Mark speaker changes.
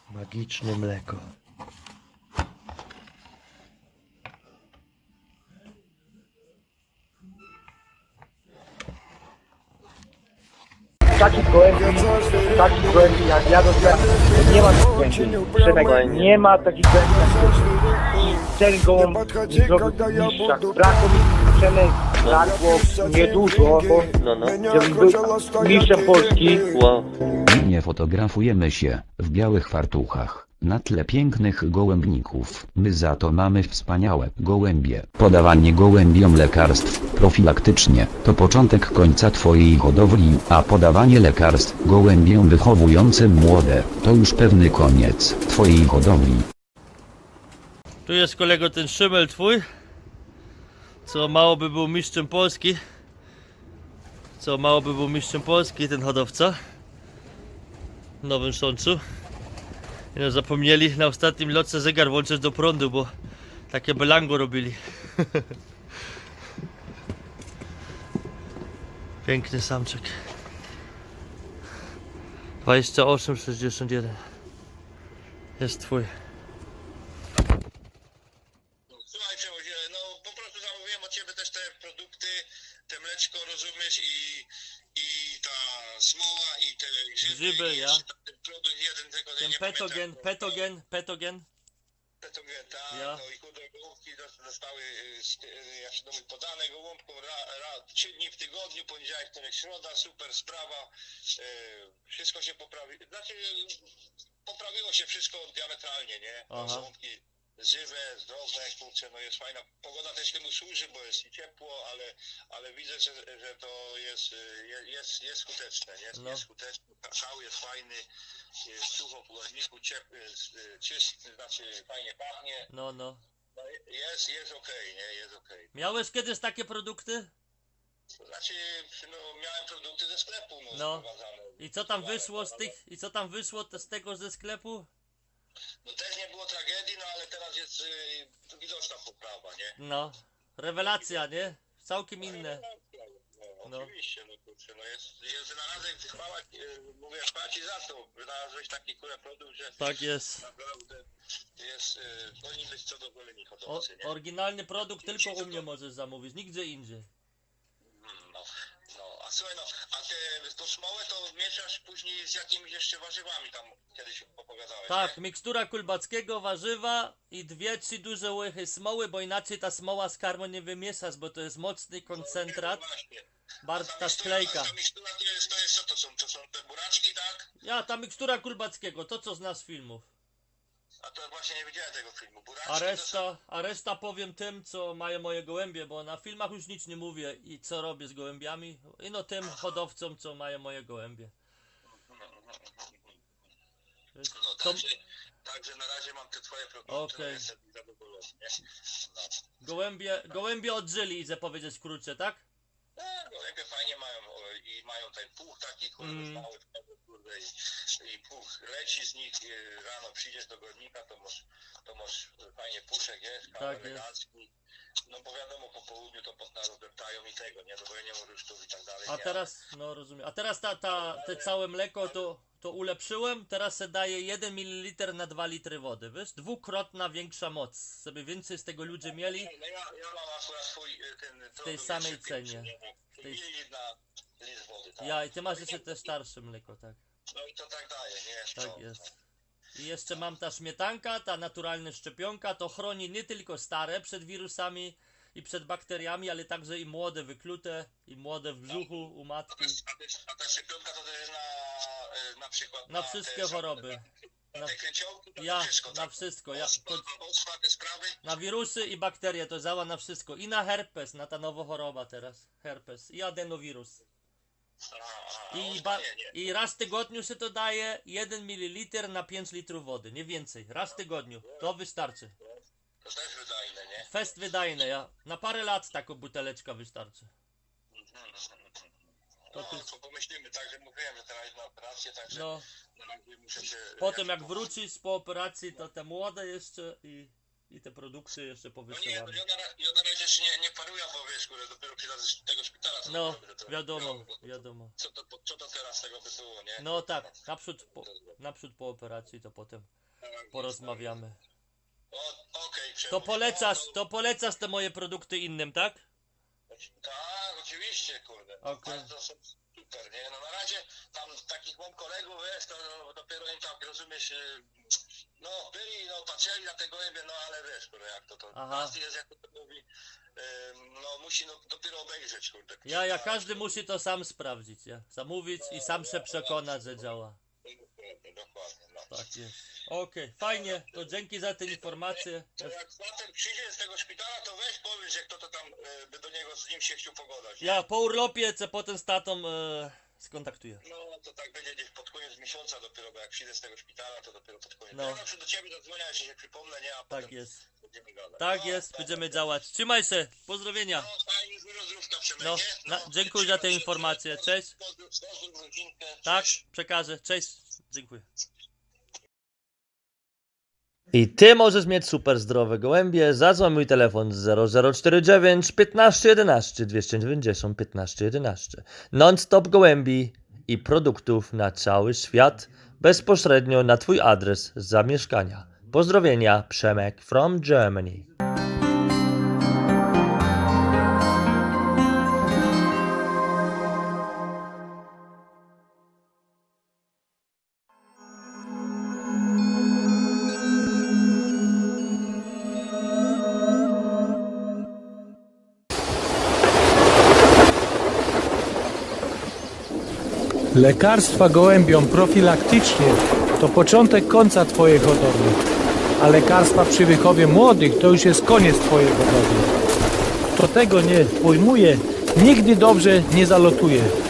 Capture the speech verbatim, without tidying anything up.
Speaker 1: Magiczne mleko. Takich gołębi, takich gołębi jak ja dostałem, nie ma takich gołębi. Przemek, nie ma takich gołębi jak ten gołąb nie zrobił mistrzach. Brakło mi, Przemek, brakło niedużo, bo
Speaker 2: No, no.
Speaker 1: żebym był mistrzem Polski.
Speaker 2: Wow.
Speaker 3: Nie fotografujemy się w białych fartuchach na tle pięknych gołębników. My za to mamy wspaniałe gołębie. Podawanie gołębiom lekarstw profilaktycznie to początek końca twojej hodowli, a podawanie lekarstw gołębiom wychowującym młode to już pewny koniec twojej hodowli.
Speaker 2: Tu jest kolego ten szymel twój, co mało by był mistrzem Polski. Co mało by był mistrzem Polski ten hodowca w Nowym Sączu. I no, zapomnieli na ostatnim lotce zegar włączyć do prądu, bo takie belango robili. Piękny samczyk. dwadzieścia osiem sześćdziesiąt jeden. Jest twój.
Speaker 4: Słuchaj Przemozie, no po prostu zamówiłem od Ciebie też te produkty, te mleczko, rozumiesz, i, i ta smoła, i te grzyby,
Speaker 2: Grzyby,
Speaker 4: i
Speaker 2: ja.
Speaker 4: jeszcze ten produkt jeden, tego
Speaker 2: Ten
Speaker 4: nie
Speaker 2: petogen,
Speaker 4: pamiętam.
Speaker 2: petogen, petogen.
Speaker 4: Petogen, tak,
Speaker 2: Ja.
Speaker 4: no i kurde, gołąbki dos- zostały, y, z- y, jak się to mówi, podane gołąbkom ra, ra, trzy dni w tygodniu, poniedziałek, wtorek, środa, super sprawa, y, wszystko się poprawi, znaczy poprawiło się wszystko diametralnie, nie?
Speaker 2: Aha.
Speaker 4: Gołąbki żywe, zdrowe, kurczę, no jest fajna, pogoda też temu służy, bo jest i ciepło, ale, ale widzę, że, że to jest, y, je- jest, jest skuteczne, nie?
Speaker 2: No.
Speaker 4: Jest skuteczne, szał jest fajny, jest sucho w pojemniku, ciepły, y, czysty, znaczy fajnie pachnie.
Speaker 2: No, no.
Speaker 4: No, jest, jest okej, nie? Jest okej.
Speaker 2: Miałeś kiedyś takie produkty?
Speaker 4: Znaczy, no, miałem produkty ze sklepu, no,
Speaker 2: No.
Speaker 4: sprowadzane.
Speaker 2: I co tam
Speaker 4: Sprowadzane,
Speaker 2: wyszło z
Speaker 4: ale-
Speaker 2: tych, i co tam wyszło te- z tego ze sklepu?
Speaker 4: No też nie było tragedii, no ale teraz jest y, widoczna poprawa, nie?
Speaker 2: No. Rewelacja, nie? Całkiem inne.
Speaker 4: No,
Speaker 2: No.
Speaker 4: oczywiście, no kurczę, no jest, jest wynalazek, chwała, y, mówię, chwała Ci za to, wynalazłeś taki kurę produkt, że
Speaker 2: Tak jest.
Speaker 4: naprawdę jest, y, powinni być co do goleni
Speaker 2: O,
Speaker 4: hodowcy, nie?
Speaker 2: oryginalny produkt tylko u mnie możesz zamówić, nigdzie indziej.
Speaker 4: Mm, No, no, a słuchaj, no, a te, tą smołę to mieszasz później z jakimiś jeszcze warzywami tam kiedyś opowiadałeś,
Speaker 2: Tak,
Speaker 4: nie?
Speaker 2: mikstura kulbackiego, warzywa i dwie, trzy duże łychy smoły, bo inaczej ta smoła z karmą nie wymieszasz, bo to jest mocny koncentrat.
Speaker 4: No właśnie.
Speaker 2: Bardzo
Speaker 4: Ta
Speaker 2: ta
Speaker 4: mikstura-
Speaker 2: sklejka.
Speaker 4: Ta mikstura to jest, to jest co to są? To są te buraczki, tak?
Speaker 2: Ja, ta mikstura kulbackiego, to co znasz z filmów.
Speaker 4: A to właśnie nie widziałem tego filmu. Buraczki
Speaker 2: A
Speaker 4: to są...
Speaker 2: reszta, a reszta powiem tym, co mają moje gołębie, bo na filmach już nic nie mówię i co robię z gołębiami. I no tym hodowcom, co mają moje gołębie. Wiesz,
Speaker 4: No
Speaker 2: to
Speaker 4: także, także na razie mam te twoje produkty,
Speaker 2: Okej.
Speaker 4: no jestem zadowolony, nie? No.
Speaker 2: gołębie, gołębie odżyli, chcę powiedzieć w krótce, tak?
Speaker 4: E, no lepiej fajnie mają o, i mają ten puch taki, kurde,
Speaker 2: Mm.
Speaker 4: mały, kurde, i, i puch leci z nich, i rano przyjdziesz do godnika, to masz, to masz fajnie puszek jest, kawał
Speaker 2: Tak jest.
Speaker 4: elegancki. No bo wiadomo, po południu to potem rozdeptają i tego, nie? Do gojenia rusztów i tak dalej.
Speaker 2: A
Speaker 4: nie?
Speaker 2: teraz, no rozumiem, a teraz ta, ta, te całe mleko to, to ulepszyłem, teraz se daje jeden mililitr na dwa litry wody, wiesz? Dwukrotna większa moc, żeby więcej z tego ludzie mieli.
Speaker 4: No ja, ja mam akurat swój y, ten
Speaker 2: W tej samej cenie.
Speaker 4: W tej... Mililitr na litr wody, tak?
Speaker 2: Ja, i ty masz jeszcze te starsze mleko, tak?
Speaker 4: No i to tak daje, nie?
Speaker 2: Tak
Speaker 4: No,
Speaker 2: jest. I jeszcze mam ta śmietanka, ta naturalna szczepionka, to chroni nie tylko stare przed wirusami i przed bakteriami, ale także i młode wyklute, i młode w brzuchu u
Speaker 4: A
Speaker 2: matki.
Speaker 4: ta, a ta- a ta szczepionka to też na, y, na przykład
Speaker 2: Na
Speaker 4: te
Speaker 2: wszystkie
Speaker 4: ża-
Speaker 2: choroby.
Speaker 4: Na
Speaker 2: Na-
Speaker 4: te kręciołki, to
Speaker 2: Ja,
Speaker 4: wszystko,
Speaker 2: na
Speaker 4: tak?
Speaker 2: wszystko. Ja,
Speaker 4: Ospा,
Speaker 2: to,
Speaker 4: ospa, te sprawy.
Speaker 2: na wirusy i bakterie to działa na wszystko. I na herpes, na ta nowa choroba teraz. Herpes i adenowirus.
Speaker 4: A, a,
Speaker 2: I,
Speaker 4: ospa
Speaker 2: ba-
Speaker 4: nie, nie.
Speaker 2: I raz w tygodniu się to daje jeden mililitr na pięć litrów wody, nie więcej. Raz w tygodniu. To wystarczy.
Speaker 4: To też wydajne, nie?
Speaker 2: Fest wydajny, ja. Na parę lat taką buteleczka wystarczy.
Speaker 4: No,
Speaker 2: To ty-
Speaker 4: to pomyślimy, także mówiłem, że teraz na operację, także
Speaker 2: No,
Speaker 4: na razie muszę się...
Speaker 2: potem jak
Speaker 4: po-
Speaker 2: wrócisz po operacji, to te młode jeszcze i i te produkty jeszcze
Speaker 4: No nie,
Speaker 2: powysyłamy.
Speaker 4: ja na, ra- ja na razie jeszcze nie, nie paruję, bo wiesz, kurde, dopiero przyjadę z tego szpitala. To
Speaker 2: No,
Speaker 4: dopiero to-
Speaker 2: wiadomo,
Speaker 4: no,
Speaker 2: wiadomo.
Speaker 4: Co to, co to teraz tego by było, nie?
Speaker 2: No tak, naprzód po, naprzód po operacji, to potem porozmawiamy.
Speaker 4: O, okej,
Speaker 2: To
Speaker 4: Przemuś.
Speaker 2: polecasz,
Speaker 4: No,
Speaker 2: to polecasz te moje produkty innym, tak?
Speaker 4: Tak, oczywiście, kurde.
Speaker 2: Okej.
Speaker 4: To są super, nie? No na razie tam takich mam kolegów, wiesz, to no, dopiero im tak, rozumiesz, y, no byli, no patrzyli na te gołębie, no ale wiesz, kurde, jak to to.
Speaker 2: Aha.
Speaker 4: Każdy jest, jak to mówi, ym, no musi no, dopiero obejrzeć, kurde.
Speaker 2: Ja, ja, każdy musi to sam sprawdzić, ja? Zamówić i sam się przekonać, że działa.
Speaker 4: Dokładnie, dokładnie, no.
Speaker 2: Tak jest. Okej, fajnie, to dzięki za te informacje.
Speaker 4: To jak zatem przyjdzie z tego szpitala, to weź powiedz, że kto to tam y, by do niego z nim się chciał pogadać.
Speaker 2: Ja po urlopie, co potem z tatą e, skontaktuję.
Speaker 4: No to tak będzie gdzieś pod koniec miesiąca dopiero, bo jak przyjdę z tego szpitala, to dopiero pod koniec.
Speaker 2: No.
Speaker 4: Ja zawsze do ciebie zadzwonię, jeśli się przypomnę, nie? A
Speaker 2: Tak
Speaker 4: potem
Speaker 2: jest.
Speaker 4: będziemy gadać.
Speaker 2: Tak
Speaker 4: No,
Speaker 2: jest,
Speaker 4: dobra.
Speaker 2: będziemy działać. Trzymaj się, pozdrowienia.
Speaker 4: No fajnie, dużo zdrówka Przemek,
Speaker 2: No,
Speaker 4: nie?
Speaker 2: na- dziękuję za te
Speaker 4: trzymaj się,
Speaker 2: informacje.
Speaker 4: pozdrów-
Speaker 2: Cześć.
Speaker 4: Pozdrów, pozdrów rodzinkę.
Speaker 2: Tak,
Speaker 4: Cześć.
Speaker 2: przekażę. Cześć. Dziękuję. I ty możesz mieć super zdrowe gołębie. Zadzwoń mój telefon zero zero cztery dziewięć piętnaście jedenaście dwieście dziewięćdziesiąt piętnaście jedenaście. Non-stop gołębi i produktów na cały świat bezpośrednio na twój adres zamieszkania. Pozdrowienia, Przemek from Germany.
Speaker 5: Lekarstwa gołębiom profilaktycznie to początek końca Twojej hodowli, a lekarstwa przy wychowie młodych to już jest koniec Twojej hodowli. Kto tego nie pojmuje, nigdy dobrze nie zalotuje.